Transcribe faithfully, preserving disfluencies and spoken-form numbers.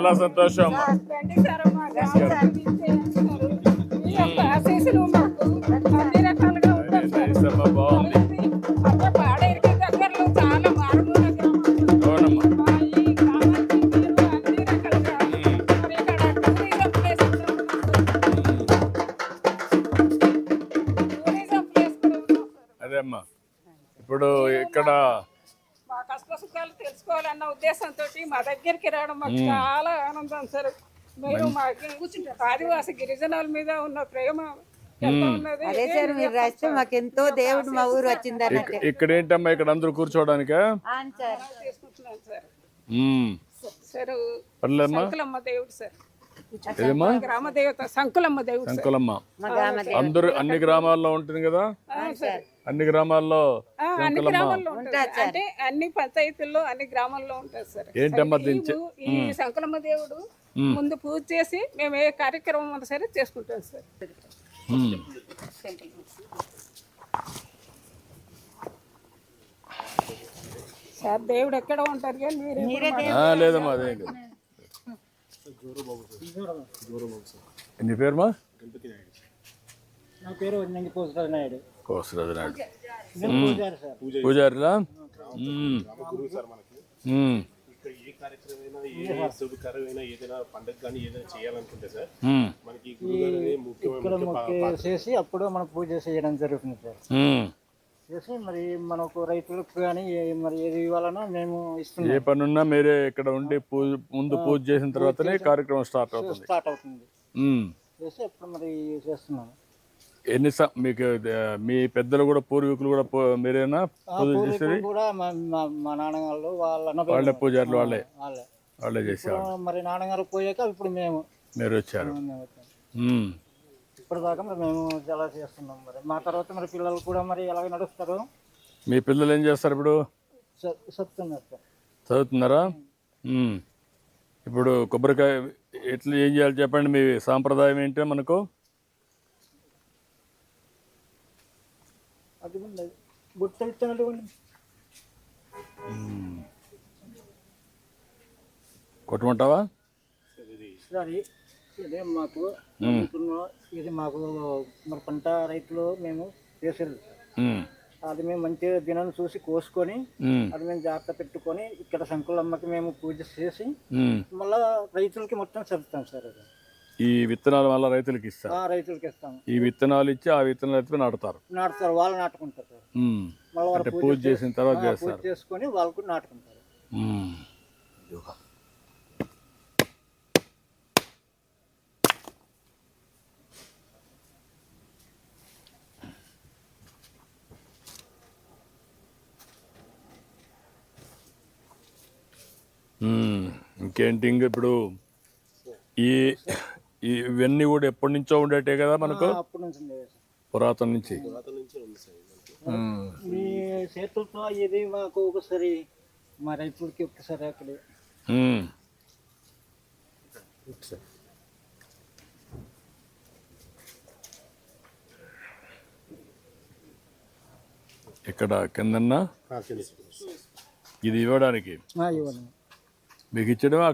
చాలా సంతోషం. రండి సార్, మా గ్రామానికి ఇచ్చేయండి. మీ యొక్క ఆశీస్సులు మాకు అన్ని రకాలుగా ఉంటాయి సార్. నైసమ్మా, బాగుంది. అంటే పాడేరుకి దగ్గరలో చాలా మారుమూల గ్రామాలు. అవునమ్మా. మా ఈ గ్రామానికి మీరు అన్ని రకాలుగా మరి ఇక్కడ టూరిజం ప్లేస్ కూడా ఉంది సార్. టూరిజం ప్లేస్ కూడా ఉంది సార్. అదే అమ్మా, ఇప్పుడు ఇక్కడ మా కష్ట సుఖాలు తెలుసుకోవాలన్న ఉద్దేశంతో మా దగ్గరికి రావడం మాకు చాలా ఆనందం సార్. మీరు మా ఆదివాసి గిరిజనుల మీద ఉన్న ప్రేమ ఎంత ఉన్నది. అదే సార్, మీరు రాస్తే మాకెంతో దేవుడు మా ఊరు వచ్చింది అన్నట్టు. ఇక్కడ ఏంటమ్మా, ఇక్కడ అందరూ కూర్చోవడానికా? చేసుకుంటున్నాను సార్. ఉమ్. సార్ పర్లేదమ్మా. సంకులమ్మ దేవుడు సార్, ఏదమ్మా? గ్రామ దేవత సంకులమ్మ దేవుడు సార్. సంకులమ్మ మా గ్రామ అందరూ అన్ని గ్రామాల్లో ఉంటుంది కదా? సార్ అన్ని గ్రామాల్లో ఆ, అన్ని గ్రామాల్లో ఉంటుంది. అంటే అన్ని పంచాయతీల్లో అన్ని గ్రామాల్లో ఉంటుంది సార్. ఏంటమ్మా ఈ దించే ఊ- ఈ సంకులమ్మ దేవుడు ముందు పూజ చేసి మేము ఏ కార్యక్రమం ఉన్నా సరే చేసుకుంటాం సార్. ఉమ్. సార్ దేవుడు ఎక్కడ ఉంటారు కానీ మీరు ఎప్పుడు ఆ, లేదమ్మా, అదేం కాదు. నీ పేరుమా? నా పేరు నంగి పోసరాజు నాయుడు. కోసరాజు నాయుడు. నేను పూజారి సార్. పూజారిలా? ఉమ్. ఉమ్. ఇక్కడ ఏ కార్యక్రమైనా ఏ శుభకరమైన ఏదైనా పండుగ కానీ ఏదైనా చేయాలనుకుంటే సార్ ఉమ్. మనకి ఈ గురుగారు ఇక్కడ ముఖ్యమైన మొక్కి చేసి అప్పుడు మనం పూజ చేయడం జరుగుతుంది సార్. ఉమ్. చేసి మరి మనకు రైతులకు కానీ ఏ- మరి ఏది ఇవ్వాలన్నా మేము ఏ ఇస్తున్నాం. పనున్నా మీరే ఇక్కడ ఉండి పూజ ముందు పూజ చేసిన తర్వాతనే కార్యక్రమం స్టార్ట్ అవుతుంది. స్టార్ట్ అవుతుంది. ఉమ్. చేసి అప్పుడు మరి చేస్తున్నాము. ఎన్ని సం- మీకు ఆ, మీ పెద్దలు కూడా పూర్వీకులు కూడా పూ- మీరేనా ఆ పూజ పూర్వీకులు చేసేది? కూడా మా మా- మా నాన్నగారు వాళ్ళ అన్న వాళ్ళే పూజారులు, వాళ్ళే వాళ్ళే వాళ్ళే చేసేవాళ్ళు. ఇప్పుడు మరి నాన్నగారు పోయాక ఇప్పుడు మేము మీరు వచ్చారు. మేము వచ్చాము. ఉమ్. ఇప్పటిదాకా మరి మేము చాలా చేస్తున్నాం. మరి మా తర్వాత మరి పిల్లలు కూడా మరి ఎలాగ నడుస్తారు మీ పిల్లలు ఏం చేస్తారు ఇప్పుడు? చె- చెప్తున్నారు సార్. చదువుతున్నారా? ఉమ్. ఇప్పుడు కొబ్బరికాయ ఎట్లా ఏం చేయాలి చెప్పండి, మీ సాంప్రదాయం ఏంటో మనకు? అది బుట్ట ఇచ్చినట్టు కొట్టమంటావా? సరే ఇదే మాకు అనుకున్న ఇది మాకు మరి పంట రైతులు మేము చేసేది సార్. ఉమ్. అది మేము మంచిగా దినాన్ని చూసి కోసుకొని ఉమ్. అది మేము జాగ్రత్త పెట్టుకొని ఇక్కడ సంకులమ్మకి మేము పూజ చేసి ఉమ్. మళ్ళా రైతులకి మొత్తం చెప్తాం సార్. అది ఈ విత్తనాల వల్ల రైతులకు ఇస్తారు. ఆ రైతులకి ఇస్తాము. ఈ విత్తనాలు ఇచ్చి ఆ విత్తనాలు ఎత్తుకుని నాటుతారు. నాటుతారు, వాళ్ళు నాటుకుంటారు సార్. ఉమ్. మళ్ళీ అంటే వాళ్ళు పూజ చేసిన తర్వాత పూజ చేస్తారు. చేసుకొని వాళ్ళు కూడా నాటుకుంటారు. ఉమ్. ఉమ్. ఇంకేంటి ఇంక ఇప్పుడు ఈ ఈ- ఇవన్నీ కూడా ఎప్పటి నుంచో ఉండేటే కదా మనకు, ఆ, అప్పటి నుంచి ఉండేది సార్. పురాతన నుంచి. ఉమ్. మీ చేతులతో ఇది మాకు ఒకసారి మా రైతులకి ఒకసారి అక్కడ ఉమ్. ఇక్కడ కిందన్నా ఇది ఇవ్వడానికి ఇవ్వండి. మీకు ఇచ్చడమా?